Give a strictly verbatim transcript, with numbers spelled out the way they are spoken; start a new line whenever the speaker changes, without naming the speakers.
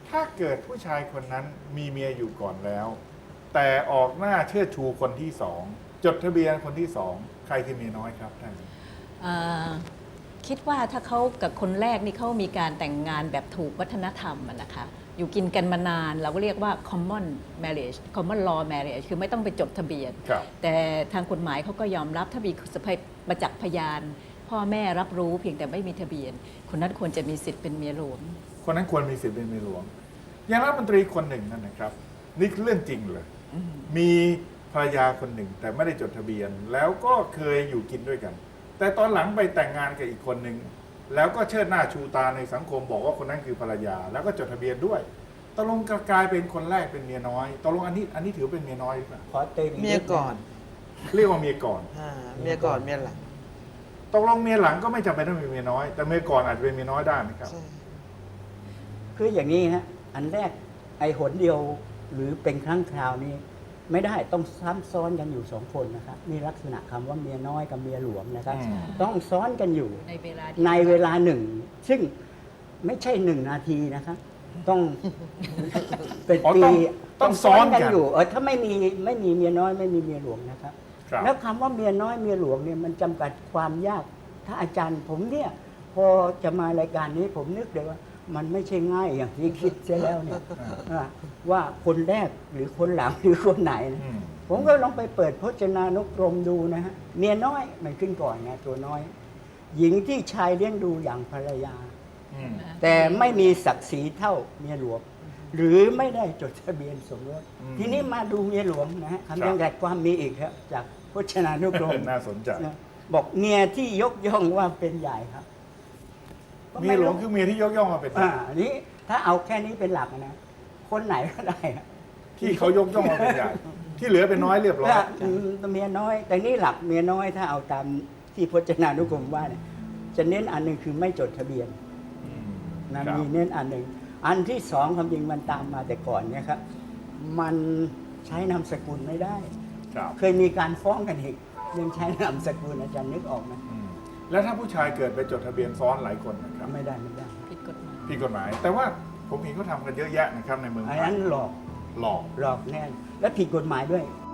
ถ้าเกิดผู้ชายคนนั้นมีเมียอยู่ก่อนแล้ว แต่ออกหน้าเชิดชูคนที่สองจดทะเบียนคนที่สองใครคือเมียน้อยครับท่าน
อ่าคิดว่าถ้าเขากับคนแรกนี่เขามีการแต่งงานแบบถูกวัฒนธรรมอะนะคะอยู่กินกันมานานเราก็เรียกว่า common marriage common law marriage คือไม่ต้องไปจดทะเบียน
ครับ
แต่ทางกฎหมายเขาก็ยอมรับถ้ามีสภาพประจักษ์พยาน พ่อแม่รับรู้เพียงแต่ไม่มีทะเบียน คนนั้นควรจะมีสิทธิ์เป็นเมียหลวง
คนนั้นควรมีสิทธิ์เป็นเมียหลวงอย่างรัฐมนตรีคนหนึ่งนั่นนะครับ นี่คือเรื่องจริงเลย มีภรรยาคนหนึ่งแต่ไม่ได้จดทะเบียน แล้วก็เคยอยู่กินด้วยกัน แต่ตอนหลังไปแต่งงานกับอีกคนหนึ่งแล้วก็เชิดหน้าชูตาในสังคมบอกว่าคนนั้นคือภรรยา แล้วก็จดทะเบียนด้วยตกลงกลายเป็นคนแรกเป็นเมียน้อยตกลงอันนี้อันนี้ถือเป็นเมียน้อยหรือเปล่า
ขอเติมอีก
เมีย
นิด
ก่อน
เรียกว่าเมียก่อน
อ่าเมียก่อนเมียหลัง
ตกลงเมียหลังก็ไม่จำเป็นต้องเป็นเมียน้อย แต่เมียก่อนอาจจะเป็นเมียน้อยได้ไหมครับ
ใช่
คืออย่างนี้ฮะอันแรกไอ้หนเดียวหรือเป็นครั้งคราวนี้ ไม่ได้ต้องซ้ำซ้อนกันอยู่สองคนนะครับนี่ลักษณะคำว่าเมียน้อยกับเมียหลวงนะครับ
อืม
ต้องซ้อนกันอยู่
ในเวลา
ในเวลาหนึ่ง ซึ่งไม่ใช่หนึ่งนาทีนะครับต้อง เป็น
อ๋อ
ปี
ต้องต้องซ้อนกัน
อยู่เออถ้าไม่มีไม่มีเมียน้อยไม่มีเมียหลวงนะครับ
ครับ
แล้วคำว่าเมียน้อยเมียหลวงเนี่ยมันจำกัดความยาก ถ้าอาจารย์ผมเนี่ยพอจะมารายการนี้ผมนึกเลยว่า มันไม่ใช่ง่ายอย่างที่คิดเสียแล้วเนี่ยอ่าว่าคนแรกหรือคนหลังหรือคนไหนนะ
อืม
ผมก็ลองไปเปิดพจนานุกรมดูนะฮะเมียน้อยมันขึ้นก่อนไงตัวน้อย หญิงที่ชายเลี้ยงดูอย่างภรรยา
อืม
แต่ไม่มีศักดิ์ศรีเท่าเมียหลวง หรือไม่ได้จดทะเบียนสมรส
อืม
ทีนี้มาดูเมียหลวงนะฮะ
ครับ
คำจำกัดความมีอีกครับ จากพจนานุกรม
น่าสนใจ
นะบอกเมียที่ยกย่องว่าเป็นใหญ่ครับ
เมียหลวงคือเมียที่ยกย่องมาเป็น
อ่าอันนี้ถ้าเอาแค่นี้เป็นหลักนะ คนไหนก็ได้อะ
ที่เขายกย่องมาเป็นใหญ่ที่เหลือเป็นน้อยเรียบร้อย
ถ้าอืมเมียน้อย แต่นี่หลักเมียน้อยถ้าเอาตามที่พจนานุกรมว่าเนี่ยจะเน้นอันหนึ่งคือไม่จดทะเบียน
อืม
นะครับ มีเน้นอันหนึ่งอันที่สองความจริงมันตามมาแต่ก่อนเนี่ยครับ มันใช้นามสกุลไม่ได้
ครับ
เคยมีการฟ้องกันอีกเรื่องใช้นามสกุลอาจารย์นึกออกไหม
อืมแล้วถ้าผู้ชายเกิดไปจดทะเบียนซ้อนหลายคนนะครับ
ไม่ได้ไม่ได้
ผิดกฎหมาย
ผิดกฎหมาย แต่ว่าผมเห็นเขาทำกันเยอะแยะนะครับในเมือง
อัน
ไทย
นั้นหลอก
หลอก
หลอกแน่แล้วผิดกฎหมายด้วย